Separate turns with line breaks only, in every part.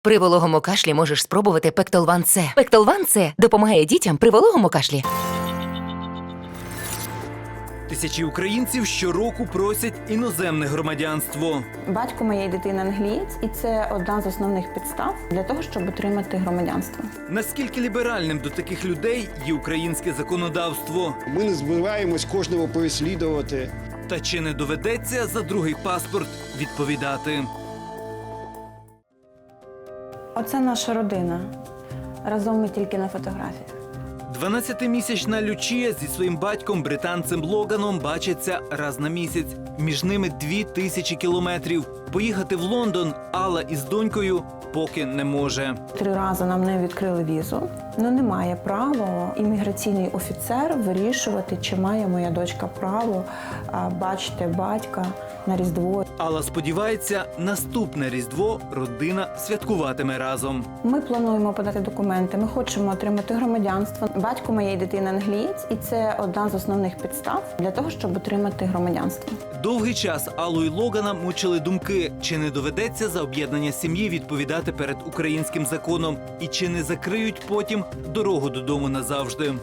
При вологому кашлі можеш спробувати Пектолван С. Пектолван С допомагає дітям при вологому кашлі.
Тисячі українців щороку просять іноземне громадянство.
Батько моєї дитини англієць, і це одна з основних підстав для того, щоб отримати громадянство.
Наскільки ліберальним до таких людей є українське законодавство?
Ми не збираємось кожного переслідувати.
Та чи не доведеться за другий паспорт відповідати?
Оце наша родина. Разом ми тільки на фотографіях.
12-місячна Лючія зі своїм батьком, британцем Логаном, бачаться раз на місяць. Між ними 2000 кілометрів. Поїхати в Лондон Алла із донькою поки не може.
3 рази нам не відкрили візу. Не має права імміграційний офіцер вирішувати, чи має моя дочка право бачити батька на Різдво.
Алла сподівається, наступне Різдво родина святкуватиме разом.
Ми плануємо подати документи, ми хочемо отримати громадянство. Батько моєї дитини англієць, і це одна з основних підстав для того, щоб отримати громадянство.
Довгий час Аллу і Логана мучили думки, чи не доведеться за об'єднання сім'ї відповідати перед українським законом і чи не закриють потім дорогу додому назавжди.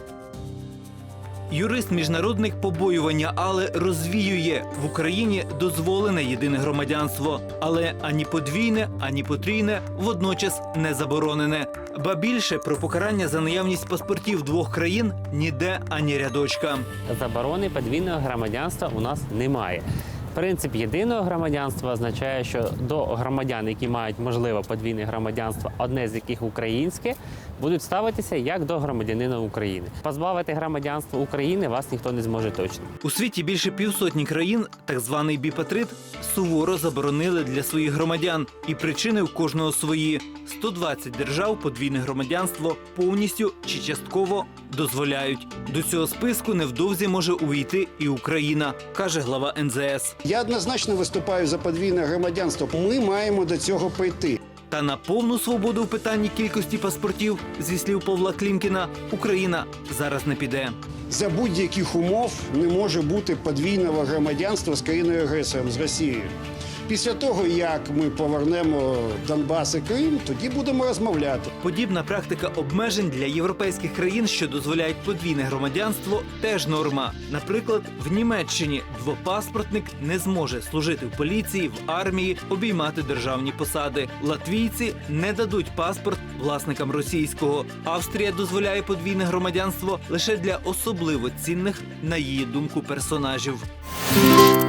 Юрист-міжнародник побоювання Алли розвіює: в Україні дозволене єдине громадянство, але ані подвійне, ані потрійне водночас не заборонене. Ба більше, про покарання за наявність паспортів двох країн ніде ані рядочка.
Заборони подвійного громадянства у нас немає. Принцип єдиного громадянства означає, що до громадян, які мають можливе подвійне громадянство, одне з яких українське, будуть ставитися як до громадянина України. Позбавити громадянства України вас ніхто не зможе точно.
У світі більше 50 країн так званий біпатрит суворо заборонили для своїх громадян. І причини у кожного свої. 120 держав подвійне громадянство повністю чи частково дозволяють. До цього списку невдовзі може увійти і Україна, каже глава НЗС.
Я однозначно виступаю за подвійне громадянство. Ми маємо до цього прийти.
Та на повну свободу в питанні кількості паспортів, зі слів Павла Клімкіна, Україна зараз не піде.
За будь-яких умов не може бути подвійного громадянства з країною-агресором, з Росією. Після того, як ми повернемо Донбас і Крим, тоді будемо розмовляти.
Подібна практика обмежень для європейських країн, що дозволяють подвійне громадянство, теж норма. Наприклад, в Німеччині двопаспортник не зможе служити в поліції, в армії, обіймати державні посади. Латвійці не дадуть паспорт власникам російського. Австрія дозволяє подвійне громадянство лише для особливо цінних, на її думку, персонажів.